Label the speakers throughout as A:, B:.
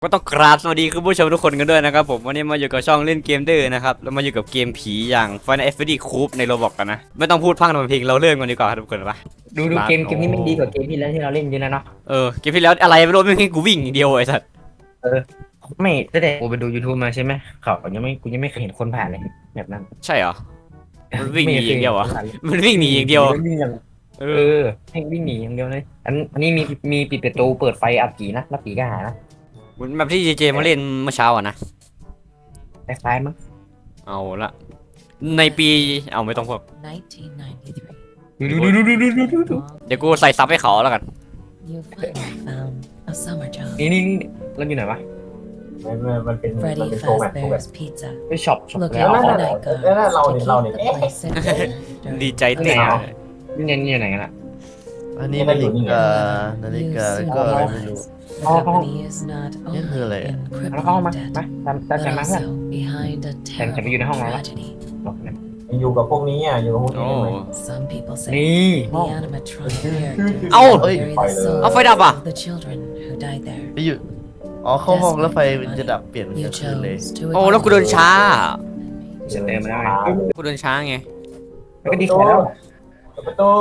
A: ก็ต้องกราบสวัสดีคุณผู้ชมทุกคนกันด้วยนะครับผมวันนี้มาอยู่กับช่องเล่นเกมดื้อนะครับแล้วมาอยู่กับเกมผีอย่าง Final Fantasy Coop ใน Roblox กันนะไม่ต้องพูดพร่ำทำเพลงเราเริ่มกันดีกว่าครับทุกคนปะ
B: ดูเกมนี้มันดีกว่าเกมที่แล้วที่เราเล่นเยอะนะเนาะ
A: เกมที่แล้วอะไรไม่รู้ไม่ให้กูวิ่งอย่างเดียวไอ้สัส
B: เออไม่ตั้งแต่กูไปดู YouTube มาใช่ไหมเขากูยังไม่เคยเห็นคนผ่านเลยแบบนั้น
A: ใช่เหรอมันวิ่งหนีอย่างเดียวเหรอ
B: ไม่คห็น
A: มันวิ่งหนีอย่างเดียว
B: วิ่งอย่าง
A: เอ
B: เอ
A: อ
B: อให้วิ่งหนีอย่างเดียวเลยอันนี้มีปิดประตูเปิดไฟอัดผีนะแล้วผีก็หายนะ
A: เหมือนแบบที่เจเจมาเล่นเมื่อเช้าอ่ะนะ
B: คล้ายๆมั้ง
A: เอาละในปีเอาไม่ต้องพูด
C: 1993.
B: ดู
A: เดี๋ยวกูใส่ซับให้เขาแล้วกัน
C: You finally found a summer job.
B: นี่เราอยู่ไหนวะ
D: มันเป็น
C: Freddy
D: โชว์แบบ
C: Fazbear's Pizza.
B: ไปช็อป
C: Look
B: แล้ว
C: out for
D: นั่น
C: night
D: นั่น
C: guards
D: เรา
C: to
D: เนี่ย
C: keep
D: เรา
C: the
D: เนี่ย
C: place in order
A: ดี
C: during
A: ใจเต้น
B: นี่อยู่ไหนกันล่ะ
E: อันนี้นาฬิกาแล้วก็อะไรไม่รู้
C: The company is not
E: Yan
C: only
E: hula yan.
C: in
B: แล้วเข้า
C: crippling
B: มา
C: debt,
B: ตาม
C: but
B: ใจมาเพื่อน
C: also behind a
B: ฉันไปอยู่ในห้อง
C: terrible
B: แล้ว
C: tragedy.
D: อยู่กับพวกนี้อ่ะอยู่กับพวกนี้
A: โอ้
D: ได้ไหม
C: Some people say
B: นี่
C: the animatronic characters
A: เอ้า
C: bury the
A: เอาไฟ
C: souls
A: ดับอ่ะ
C: of the children who died there.
E: ไปอยู่อ๋อเข้าห้องแล้วไฟมันจะดับเปลี่ยนเป็นก
C: You
E: ลางคืนเลย
C: chose to
A: โอ้แล้วกูเดินช้า
B: จะเติมมาได้ไหม
A: กูเดินช้าไง
B: แล้วก็ดีแค่แล้ว
D: ประตู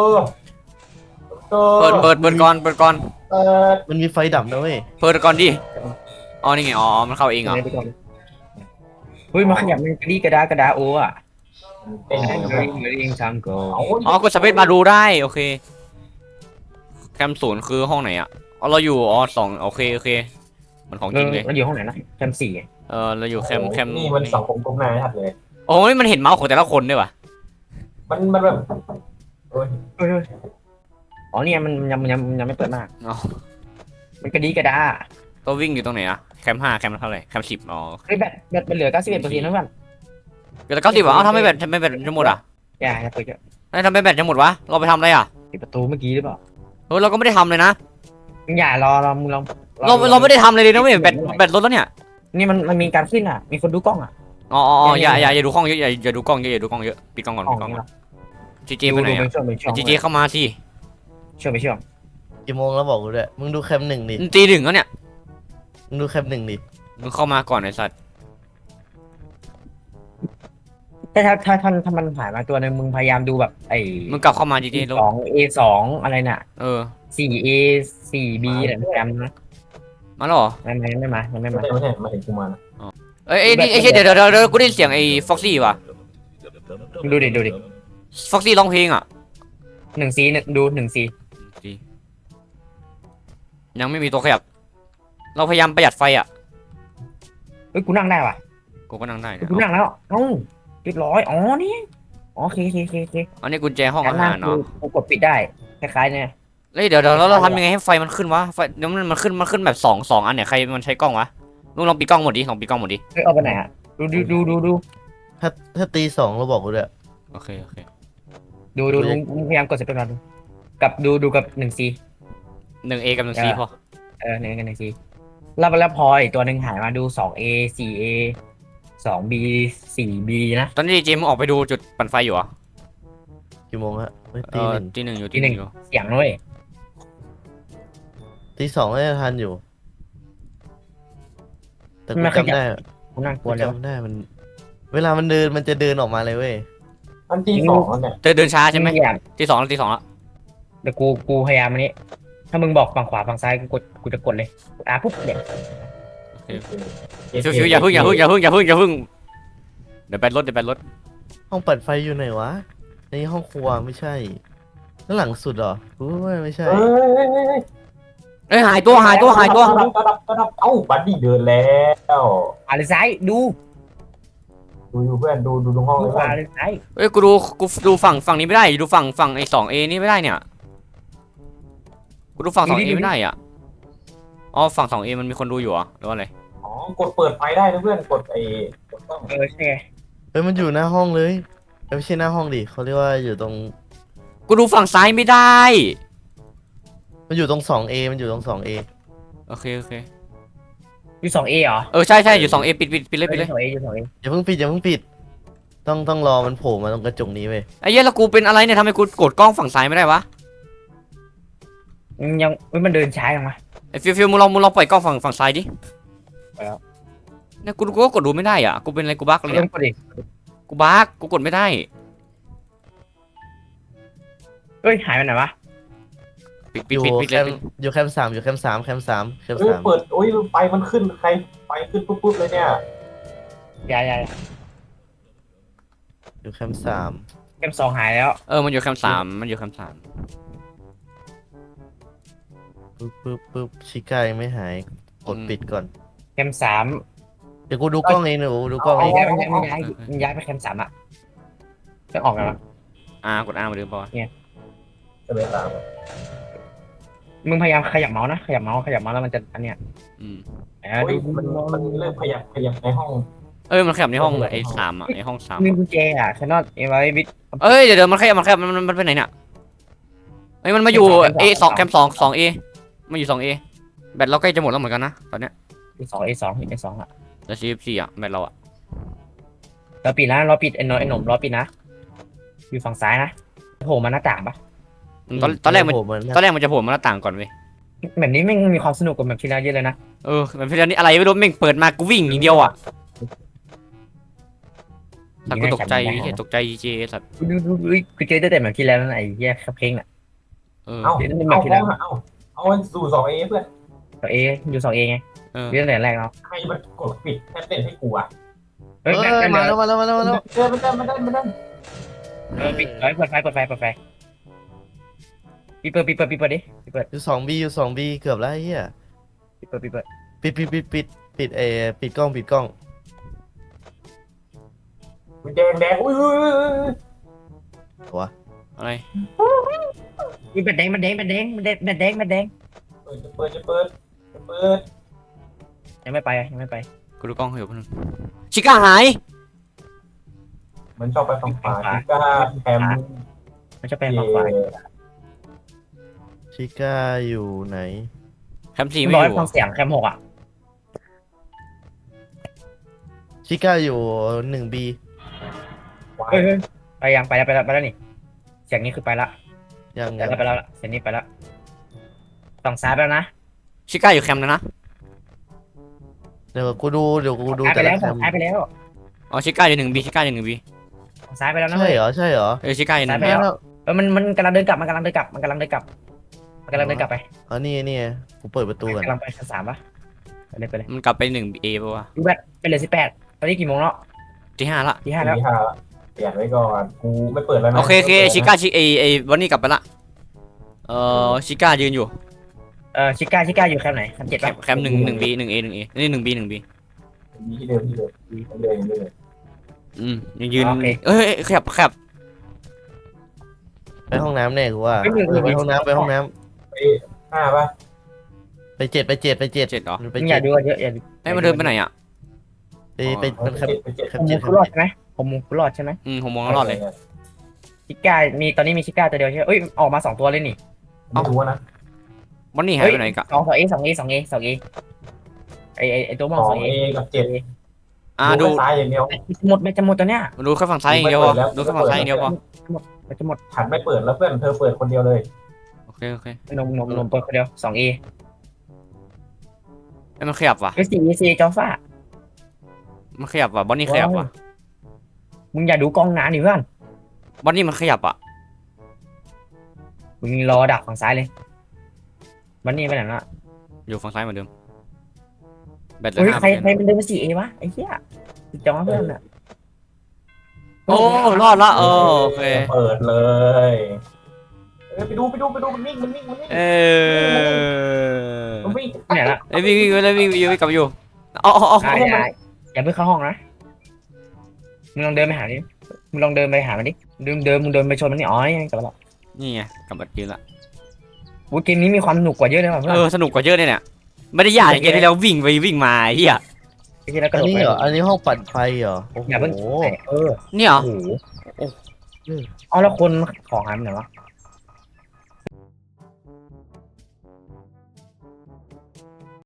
A: เปิดก่อน
D: เปิด
E: มันมีไฟดับนะเว้ย
A: เปิดก่อนดิอ๋อนี่ไงอ๋อมันเข้าเองเหรอ
B: เฮ้ยมาขยับมันกระดี้กระดาโอ้อะ
D: เป็นไง
B: เฮ้ยเองทำโก
A: อ๋อกดสเปซมาดูได้โอเคแคมศูนย์คือห้องไหนอ่ะอ๋อเราอยู่สองโอเคมันของจริงเลย
B: เราอยู่ห้องไหนนะแคมสี่
A: เราอยู่แคม
D: นี่มันสังคมกลมหน้าไม่ทัดเลย
A: โอ้ยมันเห็นเมาส์ของแต่ละคนด้วยว่ะ
D: มันแบบโอ้ย
B: อ๋อเนี่ยมันยังไม่เปิดมาก
A: อ๋อ
B: มันกระดี้กระดา
A: ตัววิ่งอยู่ตรงไหนอ่ะแคม5แคมเท่าไหร่แคม10อ๋อ
B: เฮ้ยแบตมันเหลือ91%นะเพื่อน
A: เดี๋ยว90ว่ะเอ้าทำไมแบตจะหมดอ่ะ
B: อย่าเปิดเยอะ
A: ทำไมแบตจะหมดวะเราไปทำอะไรอ่ะ
B: ปิดประตูเมื่อกี้หรือเปล่า
A: เราก็ไม่ได้ทำเลยนะ
B: อย่ารอมึงลอง
A: เราไม่ได้ทำเลยนะเว้ยแบตลดแล้วเนี่ย
B: นี่มันมีการขึ้นอ่ะมีคนดูกล้องอ่ะ
A: อ๋ออย่าดูกล้องเยอะอย่าดูกล้องเยอะอย่าดูกล้องเยอะปิดกล้องก่อนปิดกล้องก่อนจีเจไปไหนอ่ะ
B: เป็นช่วง
A: จีเจเข้ามาสิ
B: ช่วง
E: กี่โมงแล้วบอกกูด้วยมึงดูแคมหนึ่งดิ
A: ตีหนึ่งแล้วเนี่ย
E: มึงดูแคมหนึ่งดิ
A: มึงเข้ามาก่อนไอ้สัตว์
B: แต่ถ้ามันหายมาตัวนึงมึงพยายามดูแบบไอ้
A: มึงกลับเข้ามาจีเจลง
B: 2A2 อะไรน่ะ 4A 4B อะไรจำนะ
A: มาแล้วเหรอ
B: ไม่มา
D: ไม่ใช่มาถึงกูมานะ
A: เอ้ยนี่ไอ้เดี๋ยวกูได้เสียงไอ้ฟ็อกซี่ว่ะ
B: ดูดิ
A: ฟ็อกซี่ร้องเพลงอ่ะ
B: 1C ดู 1C
A: ยังไม่มีตัวขยับ เราพยายามประหยัดไฟอ่ะ
B: เฮ้ยกูนั่งได้ว่ะ
A: กูก็นั่งได้นะ
B: กูนั่งแล้วเรียบร้อยอ๋อนี่โอเค
A: อันนี้กุญแจห้องอาหารเนาะ
B: กูกดปิดได้คล้ายๆเนี่ย
A: เฮ้ยเดี๋ยวเราทำยังไงให้ไฟมันขึ้นวะไฟเดี๋ยวมันขึ้นแบบสองอันเนี่ยใครมันใช้กล้องวะลุงลองปิดกล้องหมดดิลองปิดกล้องหมดดิ
B: เฮ้ยเอาไปไหนอ่ะดู
E: ถ้าตีสองเราบอกกูด้วย
A: โอเค
B: ดูลุงพยายามกดสเปคก่อนกับดูกับ 1C
A: 1A กับ 1C พอ
B: 1C แล้วพออีกตัวหนึ่งหายมาดู 2A 4A 2B 4B นะ
A: ตอนนี้เจมส์ออกไปดูจุดปั่นไฟอยู่เหรอ
E: กี่โมงฮะเฮ้ย
A: ตีหนึ่งอยู่
B: ตีหนึ่ง เสียงด้วย
E: ตีสองน่าจะทันอยู่ แต่กู
B: ไม่ขยับ
E: จำได้
B: กูนั่งก
E: กู
B: ลัวแล้ว
E: จำได้มัน เวลามันเดินมันจะเดินออกมาเลยเว้ย
D: มันที่สองแล้วเนี่ย
A: เดินช้าใช่ไหม
B: อยาก
A: ตีสองแล้ว
B: เดี๋ยวกูพยายามอันนี้ ถ้ามึงบอกฝั่งขวาฝั่งซ้ายกูจะกดเลยปุ๊บเดี๋ยว
A: ฟิวอย่าพึ่งเดี๋ยวแบตรถ
E: ห้องเปิดไฟอยู่ไหนวะในห้องครัวไม่ใช่ด้านหลังสุดเหรอกูว่าไม่ใช่
A: เอ้ยหายตัว
D: ระดับเอ้าบัดดี้เดินแล้ว
B: อะไรซ้ายดู
D: ดูเพื่อนดูตรงห้องเลย
B: ขวาเลยซ้าย
A: เอ้ยกูดูฝั่งนี้ไม่ได้ดูฝั่งไอ้ 2A นี่ไม่ได้เนี่ยกูดูฝั่ง 2A ไม่ได้อ่ะอ๋อฝั่ง 2A มันมีคนดูอยู่เหรอหรือว่าอะไร
D: อ๋อกดเปิดไฟได้นะเพื่อนกดกดต้อง
B: ใช่ไง
E: เฮ้ยมันอยู่หน้าห้องเลยไม่ใช่หน้าห้องดิเขาเรียกว่าอยู่ตรง
A: กูดูฝั่งซ้ายไม่ได้
E: มันอยู่ตรง 2A มันอยู่ตรง 2A
A: โอเค
B: อยู่ 2A เหรอ
A: ใช่อยู่ 2A ปิดเลย
B: อยู่ 2A อยู่ 2A
E: อย่าเพิ่งปิดต้องรอมันโผล่มาตรงกระจกนี้เว้ย
A: ไอ้เหี้ยแล้วกูเป็นอะไรเนี่ยทำไมกูกดกล้องฝั่งซ้ายไม่ได้วะ
B: ยังมันเดินช้าจังวะ
A: ไอ้ฟิวมึงลองปล่อยกล้องฝั่งซ้ายดิ
B: แล้ว
A: เนี่ยกูก็กดดูไม่ได้อ่ะกูเป็นอะไรกูบั๊กเลย
B: เริ่
A: เนี่
B: ม
A: ย
B: กดดิ
A: กูบั๊กกูกดไม่ได้
B: เฮ้ยหายไปไหนวะ
A: ปิด
E: อยู่
A: ปิด
E: แค
A: เลย
E: มป์อยู่แคมป์สามอยู่แคมป์สามแคมป์สามแคมป์
D: เฮ้ย
E: สาม
D: เปิดโอ้ยไฟมันขึ้นใครไฟขึ้นปุ๊บเลยเนี่ย
B: ยาย
E: อยู่แคมป์สาม
B: เกม2หายแล้ว
A: มันอยู่แคมป์สามมันอยู่แคมป์สาม
E: ปึ๊บชิก้ายังไม่หายกดปิดก่อน
B: เกม3
E: เดี๋ยวกูดูกล้องเองหนูดูกล้องเอง
B: มันย้ายไปเกม3อ่ะต้องออกกันวะ
A: กดมาดูป่ะ
D: จะเป็นตาม
B: มึงพยายามขยับเมาส์นะขยับเมาส์แล้วมันจะอันเนี้ย
D: โอ้ยมันเริ่มขยับในห้อง
A: มันขยับในห้องไอ้สามอ่ะไอ้ห้องสาม
B: มีกุญแจอ่ะแคนนอนเอไวบิท
A: เดี๋ยวมันขยับมันไปไหนเนี่ยมันมาอยู่ A2 แคมป์2 A มาอยู่2 A แบตเราใกล้จะหมดแล้วเหมือนกันนะตอนเนี้ย
B: A2 อ่ะ
A: แล้ว CF4 อ่ะแบตเราอ่ะ
B: เราปิดนะเราปิดไอ้หนุ่มเราปิดนะอยู่ฝั่งซ้ายนะโผล่มาหน้าต่างปะ
A: ตอนแรกมัน
E: โผล่มา
A: ตอนแรกมันจะโผล่มาหน้าต่างก่อนเว้ย
B: แบบนี้ไม่งมีความสนุกกว่าแบบที่แล้วเยอะเลยนะ
A: มันเป็นนี้อะไรไม่รู้แม่งเปิดมากูวิ่งอย่างเดียวอ่ะสัตว์กูตกใจตกใจเจสัตว์
B: ดูกูเจอแต่แบบที่แล้วนั่นไอ้เหี้ยคับเพลงอ่ะ
D: เอา
B: เดี๋ยวนี่
D: เอา
B: แบบที่แล้ว
D: เอาสู่2A เพื่อน
B: ตัวเออยู่2Aไงเรื่องแต่แรกเนาะ
D: ใครมันกดปิดแท็บเล็ตให้กูอ่ะ
B: เฮ้ย
E: มาแล้ว
D: เจอมันได้
B: ปิดเปิดไฟปิดดิปิด
E: อยู่2B เกือบแล้วไอ้เฮีย
B: ปิด
E: ปิดปิดกล้อง
D: มันแดงอุ้ย
A: อะไร
B: มันแดง
D: เปิด
B: ยังไม่ไป
A: กูดูกล้องอยู่เพิ่งชิก้าหาย
D: มันชอบไปฝั่งขวาก้าแคม
B: มันจะไปฝั่งขวา
E: ชิก้าอยู่ไหน
A: แคมป์4ไม่
B: ร้
A: อ
B: อย
A: ยู่
B: ฟังเสียงแคม6อ่ะ
E: ชิก้าอยู่ 1B
B: เฮ้ยไปยังไปแล้วนี่เสียงนี้คือไปละ
E: ยัง
B: ไปแล้วเสียงนี้ไปละฝั่งซ้ายแล้วนะ
A: ชิก้าอยู่แคมป์นะ
E: เดี๋ยวกูดู
B: ซ้ายไป
E: แต่
B: แล้
E: ละ
B: ว
E: แคม
B: ซ้ายไปแล้ว
A: ชิก้าอยู่1B ชิก้าอยู่1B
B: ฝั่งซ้ายไปแล้วนะ
E: ใช่เหรอ
A: ชิก้าอยู่
B: ซ้าย
A: 1B
B: ไปแล้วมันกำลังเดินกลับไป
E: อ๋อนี่กูเปิดประตูก่อน
B: กำลังไปชั้น3ปะไปเลย
A: มันกลับไป1A ป่ะวะ
B: ดูแบบไปเลย18ตอนนี้กี่โมงแล้ว
A: ที่5ละ
B: ที่5แล้ว
D: เปลี่ยนไว้ก่อนกูไม่เปิดแล้วนะ
A: โอเคชิก้าวันนี้กลับไปละชิก้ายืนอยู่
B: ชิก้าอยู่แคมป์ไหนแคมป์7ปะ
A: แคมป์1B 1A นี่ 1B
D: มีที่เดิมเลย
A: ยังยืนขยับ
E: ไปห้องน้ำแน่กูว่าไปห้องน้ำ
D: 5ป่ะ
E: ไป7
A: 7เหรอ
E: ไป
B: อย่าดูเยอะอย่า
A: มันเดินไปไหนอ่ะ
E: ไปแคมป์
B: ผมรอดใช่ไหมผมรอดใช่ไหม
A: ผมมองรอดเลย
B: ชิก้าตอนนี้มีชิก้าตัวเดียวใช่ไหมออกมา2ตัวเลยนี่
D: ไม่รู้นะ
A: วันนี้หายไปไหนกะ
B: 2A ไอตัวมอง 2A
D: กับ7
A: ดู
D: ซ้ายอย่างเดียว
B: จะหมดตัวเนี้ย
A: ดูแค่ฝั่งซ้ายอย่างเดียวพอดูแค่ฝั่งซ้ายอย่างเดียวพอ
B: จะหมด
D: ฉันไม่เปิดแล้วเพื่อนเธอเปิดคนเดียวเลย
A: โอเค
B: นมเปิดคนเดียว 2A
A: มันขยับว่ะ
B: 4จอฟ้า
A: มันขยับว่ะบอนนี่ขยับว่ะ
B: มึงอย่าดูกล้องหนาดิเพื่อน
A: บอนนี่มันขยับอ่ะ
B: มึงรอดักฝั่งซ้ายเลยวันนี้ไปไหนละ
A: อยู่ฝั่งซ้ายเหมือนเดิมแบตเหลื
B: เฮ้ย
A: อ
B: ใครมันเดินมา 4A วะไอ้เหี้ยจอเพื่อนอ่ะ
A: รอดละโอเค
D: เปิดเลยไปดูมันวิ่งมันวิ่ง
B: เนี่ยละ
A: วิ่งกลับอยู่อ๋อ
B: อย่าเพิ่งเข้าห้องนะมึงลองเดินไปหาดิมึงลองเดินไปหามันดิมึงเดินไปชนมันนี่อ๋อกลับมาแล้ว
A: นี่ไงกลับมายืนละ
B: เกมนี้มีความสนุกกว่าเยอะเลยว่ะเพื่อน
A: สนุกกว่าเยอะเนี่ยไม่ได้ยากอย่างเกมที่แล้ววิ่งไปวิ่งมาเฮีย
B: ที่แล้วกระ
E: อั
B: โด
E: น
B: ด
E: นี้เหรออันนี้ห้องปั่นไฟเหรอโอ้
B: อย่าเพิ่ง
E: โห
B: เนี่ย
A: นี่เหรอ
B: โอ้โหเอาแล้วคนของหายไปไหนวะ